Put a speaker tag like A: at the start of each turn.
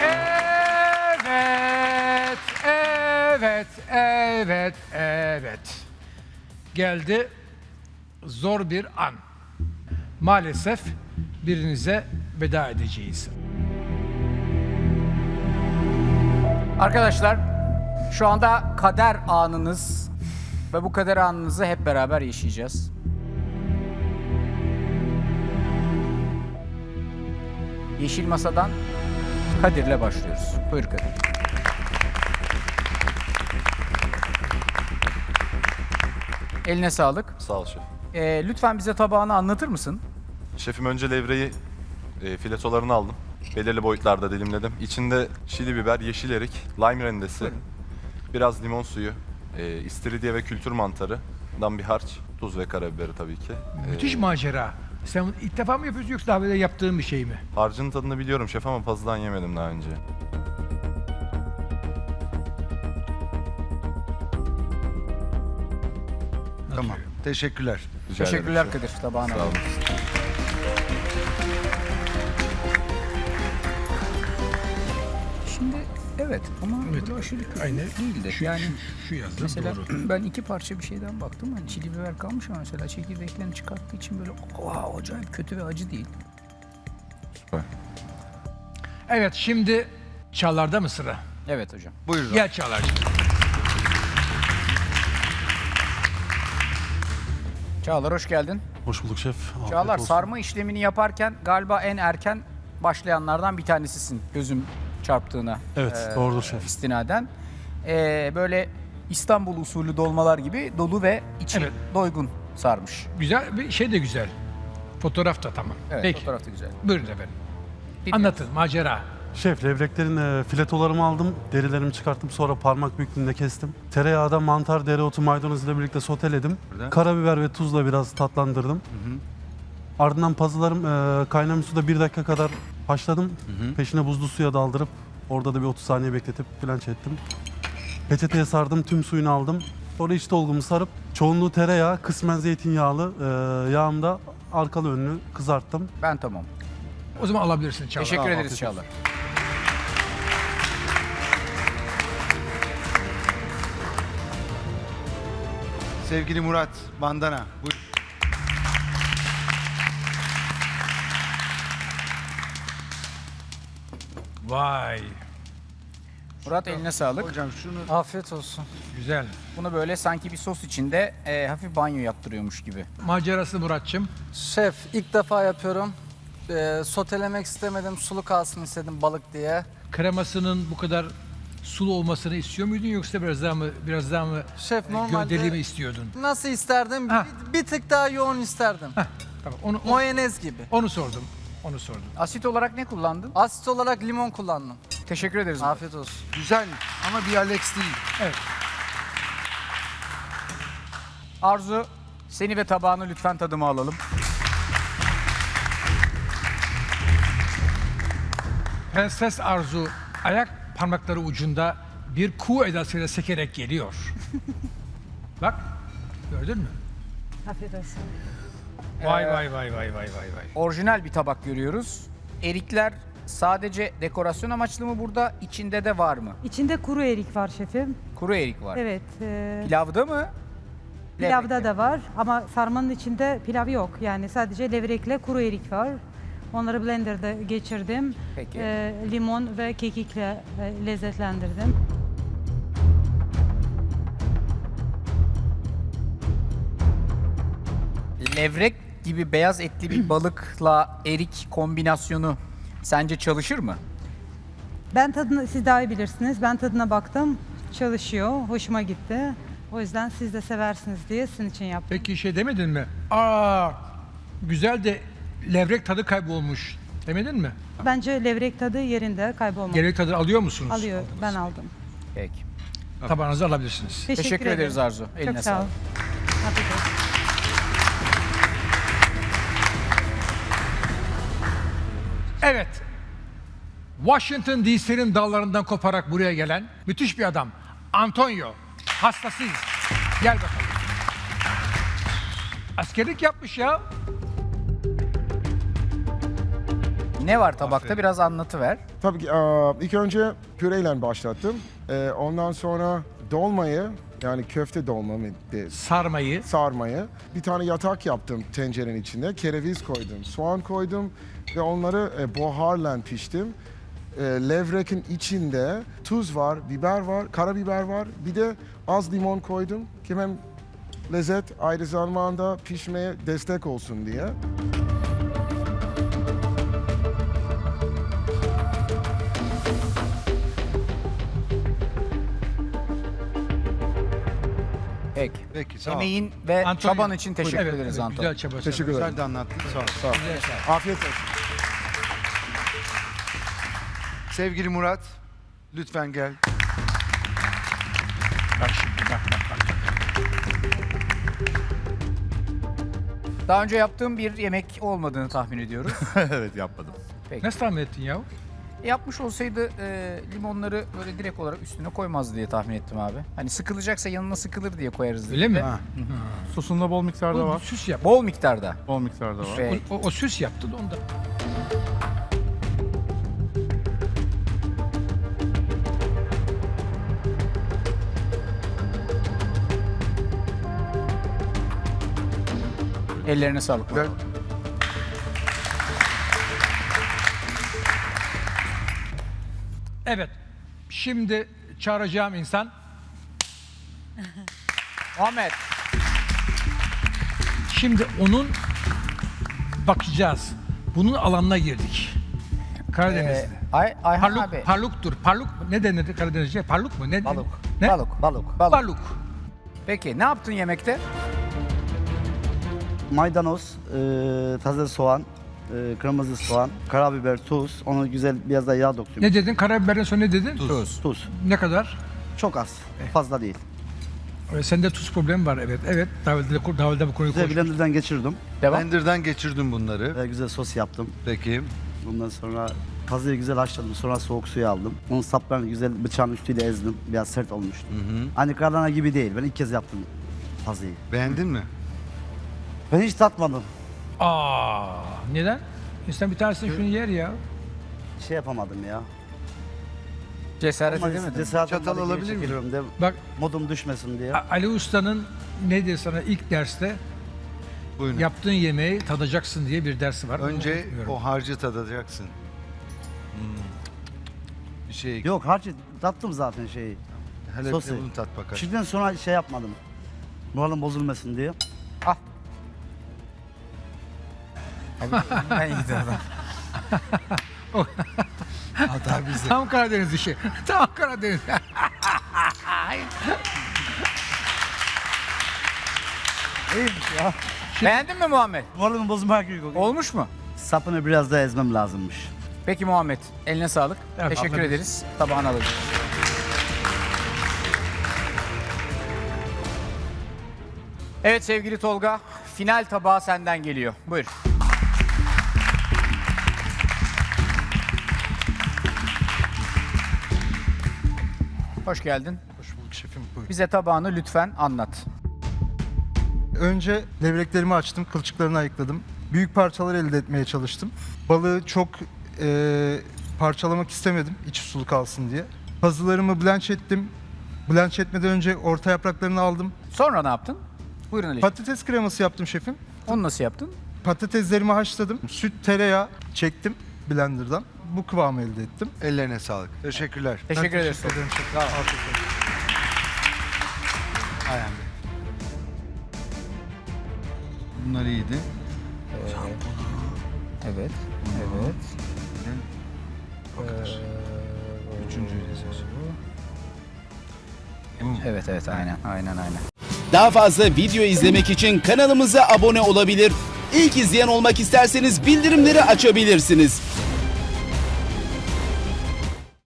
A: Evet, evet, evet, evet. Geldi zor bir an. Maalesef birinize veda edeceğiz.
B: Arkadaşlar, şu anda kader anınız ve bu kader anınızı hep beraber yaşayacağız. Yeşil Masa'dan Kadir'le başlıyoruz. Buyur Kadir. Eline sağlık.
C: Sağ ol şef.
B: Lütfen bize tabağını anlatır mısın?
C: Şefim önce levreyi filetolarını aldım. Belirli boyutlarda dilimledim. İçinde çili biber, yeşil erik, lime rendesi, biraz limon suyu, istiridye ve kültür mantarından bir harç, tuz ve karabiberi tabii ki.
A: Müthiş macera. Sen ilk defa mı yapıyorsun yoksa daha böyle yaptığın bir şey mi?
C: Harcın tadını biliyorum şef ama pazıdan yemedim daha önce.
D: Tamam. Teşekkürler.
C: Rica ederim
B: Teşekkürler
C: şef.
B: Kadir. Tabağını
C: Sağ olun.
B: alalım. Şimdi evet ama
A: Evet,
B: böyle aşırı kötü
A: aynen.
B: değildi.
A: Şu,
B: Yani
A: şu yazdım
B: mesela
A: doğru.
B: ben iki parça bir şeyden baktım. Hani çili biber kalmış ama mesela çekirdeklerini çıkarttığı için böyle acayip kötü ve acı değil.
C: Süper.
A: Evet, şimdi Çağlar'da mı sıra?
B: Evet hocam.
D: Buyurun.
A: Gel Çağlar'cığım.
B: Çağlar hoş geldin.
E: Hoş bulduk şef. Afiyet
B: Çağlar
E: olsun.
B: sarma işlemini yaparken galiba en erken başlayanlardan bir tanesisin gözüm çarptığına.
E: Evet, doğrudur şef.
B: İstinaden. Böyle İstanbul usulü dolmalar gibi dolu ve içi
A: Evet.
B: doygun sarmış.
A: Güzel, bir şey de güzel. Fotoğraf da tamam.
B: Evet,
A: Peki,
B: fotoğraf da güzel.
A: buyurun efendim.
B: Dinliyorum.
A: Anlatın, macera.
E: Şef, levreklerin filetolarımı aldım, derilerimi çıkarttım, sonra parmak büyüklüğünde kestim. Tereyağda mantar, dereotu, maydanoz ile birlikte soteledim. Karabiber ve tuzla biraz tatlandırdım. Ardından pazılarım kaynamış suda 1 dakika kadar haşladım. Peşine buzlu suya daldırıp orada da bir 30 saniye bekletip planç ettim. Peçeteye sardım, tüm suyunu aldım. Sonra iç dolgumu sarıp çoğunluğu tereyağı, kısmen zeytinyağlı yağımda arkalı önlü kızarttım.
B: Ben tamam.
A: O zaman alabilirsin Çağlar.
B: Teşekkür ederiz
E: afiyet
B: Çağlar.
D: Sevgili Murat Bandana. Buyurun.
A: Vay,
B: Murat eline sağlık.
D: Hocam şunu
F: Afiyet olsun.
A: güzel.
B: Bunu böyle sanki bir sos içinde hafif banyo yaptırıyormuş gibi.
A: Macerası Murat'cığım.
F: Şef ilk defa yapıyorum. Sotelemek istemedim, sulu kalsın istedim balık diye.
A: Kremasının bu kadar sulu olmasını istiyor muydun yoksa biraz daha mı
F: Şef normalde
A: gövdeli mi istiyordun?
F: nasıl isterdim?
A: Ha.
F: Bir tık daha yoğun isterdim.
A: Tamam,
F: Mayonez gibi.
A: onu sordum. Onu sordum.
B: Asit olarak ne kullandın?
F: Asit olarak limon kullandım.
B: Teşekkür ederiz. Murat.
F: Afiyet olsun.
D: güzel ama bir Alex değil.
A: Evet.
B: Arzu, seni ve tabağını lütfen tadıma alalım.
A: Prenses Arzu ayak parmakları ucunda bir kuğu edasıyla sekerek geliyor. Bak, gördün mü?
G: Afiyet olsun.
A: Vay vay vay vay vay vay vay.
B: Orijinal bir tabak görüyoruz. Erikler sadece dekorasyon amaçlı mı burada? İçinde de var mı?
G: İçinde kuru erik var şefim.
B: Kuru erik var.
G: Evet.
B: Pilavda mı?
G: Pilavda
B: Levrekte.
G: da var ama sarmanın içinde pilav yok. Yani sadece levrekle kuru erik var. Onları blenderda geçirdim.
B: Peki.
G: Limon ve kekikle lezzetlendirdim.
B: Levrek gibi beyaz etli bir balıkla erik kombinasyonu sence çalışır mı?
G: Ben tadını, siz daha iyi bilirsiniz. Ben tadına baktım. Çalışıyor. Hoşuma gitti. O yüzden siz de seversiniz diye sizin için yaptım.
A: Peki şey demedin mi? Aa, güzel de levrek tadı kaybolmuş demedin mi?
G: Bence levrek tadı yerinde kaybolmadı.
A: Levrek tadı alıyor musunuz?
G: Alıyor. Ben aldım.
B: Peki.
A: Tabağınızı alabilirsiniz.
B: Teşekkür ederiz Arzu. Eline
G: Çok sağ ol.
B: sağlık.
G: Afiyet olsun.
A: Evet. Washington DC'nin dağlarından koparak buraya gelen müthiş bir adam. Antonio. Hastasıyız. Gel bakalım. Askerlik yapmış ya.
B: Ne var tabakta? Biraz anlatıver.
H: Tabii ki ilk önce püreyle başlattım. Ondan sonra dolmayı, yani köfte dolma
A: Sarmayı.
H: sarmayı. Bir tane yatak yaptım tencerenin içinde. Kereviz koydum, soğan koydum ve onları buharla piştim. Levrekin içinde tuz var, biber var, karabiber var. Bir de az limon koydum ki hem lezzet aynı zamanda pişmeye destek olsun diye.
B: Peki.
D: Peki sağ ol.
B: Emeğin ve
A: Antonio,
B: çaban için teşekkür
A: evet,
B: ederiz
A: evet,
B: Anton.
A: Güzel çaba.
H: Teşekkür ederim.
D: Sen de anlattın. Sağ ol.
H: Sağ ol. Afiyet olsun.
D: Sevgili Murat, lütfen gel.
A: Bak şimdi bak.
B: Daha önce yaptığım bir yemek olmadığını tahmin ediyoruz.
C: Evet, yapmadım.
A: Nasıl tahmin ettin ya?
B: Yapmış olsaydı limonları böyle direkt olarak üstüne koymaz diye tahmin ettim abi. Hani sıkılacaksa yanına sıkılır diye koyarız dedik
A: Öyle mi?
B: de.
I: Sosunda bol miktarda
A: Bu
I: var.
A: süs yap.
B: Bol miktarda.
I: Bol miktarda var.
B: Ve
A: O süs yaptı da onda.
B: ellerine sağlık.
D: Ver.
A: Evet. Şimdi çağıracağım insan
B: Muhammed.
A: şimdi onun bakacağız. Bunun alanına girdik. Karadeniz'de.
B: Ayhan abi.
A: Parluk, parluktur. Parluk ne denir Karadenizce? Parluk mu? Ne?
B: Balık.
A: Ne?
B: Balık. Balık.
A: Baluk.
B: Peki ne yaptın yemekte?
J: Maydanoz, taze soğan, kırmızı soğan, karabiber, tuz. Onu güzel biraz da yağ döktüm.
A: Ne dedin? Karabiberden sonra ne dedin?
J: Tuz.
A: Ne kadar?
J: Çok az. Fazla değil.
A: Sende tuz problemi var, evet. Evet. Davulda bu konuyu
J: Güzel
A: konuştuk.
J: blenderdan geçirdim.
B: Devam.
D: Blender'dan geçirdim bunları.
J: Güzel sos yaptım.
D: Peki.
J: Bundan sonra tazeyi güzel haşladım. Sonra soğuk suya aldım. Onun saplarını güzel bıçağın üstüyle ezdim. Biraz sert olmuştu. Hani karlana gibi değil. Ben ilk kez yaptım tazeyi.
D: Beğendin mi?
J: Ben hiç tatmadım.
A: Neden? İnsan bir tanesini şunu yer ya.
J: Şey yapamadım ya.
B: Cesaret
J: Ama
B: edemedin.
J: cesaret
D: Çatal
J: olmadı, geri
D: alabilir miyim?
J: çekiliyorum de
A: Bak
J: modum düşmesin diye.
A: Ali Usta'nın ne diyor sana ilk derste
D: Buyurun.
A: yaptığın yemeği tadacaksın diye bir dersi var.
D: Önce
A: Onu unutmuyorum.
D: o harcı tadacaksın. Bir şey.
J: Yok harcı tattım zaten şeyi.
D: Hele
J: sosu.
D: bir de bunu tat bakalım.
J: Şimdiden sonra şey yapmadım. Moralim bozulmasın diye.
B: Ben iyi de adam.
A: Tam Karadeniz işi. Tam Karadeniz.
B: Beğendin mi Muhammed?
J: Moralimi bozmak yok.
B: Olmuş mu?
J: Sapını biraz daha ezmem lazımmış.
B: Peki Muhammed, eline sağlık.
A: Evet,
B: Teşekkür
A: afiyet
B: ederiz. Tabağını alalım. Evet sevgili Tolga, final tabağı senden geliyor. Buyur. Hoş geldin.
K: Hoş bulduk şefim. Buyurun.
B: Bize tabağını lütfen anlat.
K: Önce levreklerimi açtım, kılçıklarını ayıkladım. Büyük parçalar elde etmeye çalıştım. Balığı çok parçalamak istemedim, içi sulu kalsın diye. Pazılarımı blanch ettim. Blanch etmeden önce orta yapraklarını aldım.
B: Sonra ne yaptın? Buyurun Ali.
K: Patates kreması yaptım şefim.
B: Onu nasıl yaptın?
K: Patateslerimi haşladım. Süt, tereyağı çektim blenderdan. Bu kıvamı elde ettim.
D: Ellerine sağlık. Teşekkürler.
B: Teşekkür ederiz.
K: Teşekkür ederim şefim. Afiyet olsun.
D: Ayhan Bey. Bunlar iyiydi.
B: Evet. Evet.
D: Üçüncüyü de
B: Evet evet aynen.
L: Daha fazla video izlemek için kanalımıza abone olabilir. İlk izleyen olmak isterseniz bildirimleri açabilirsiniz.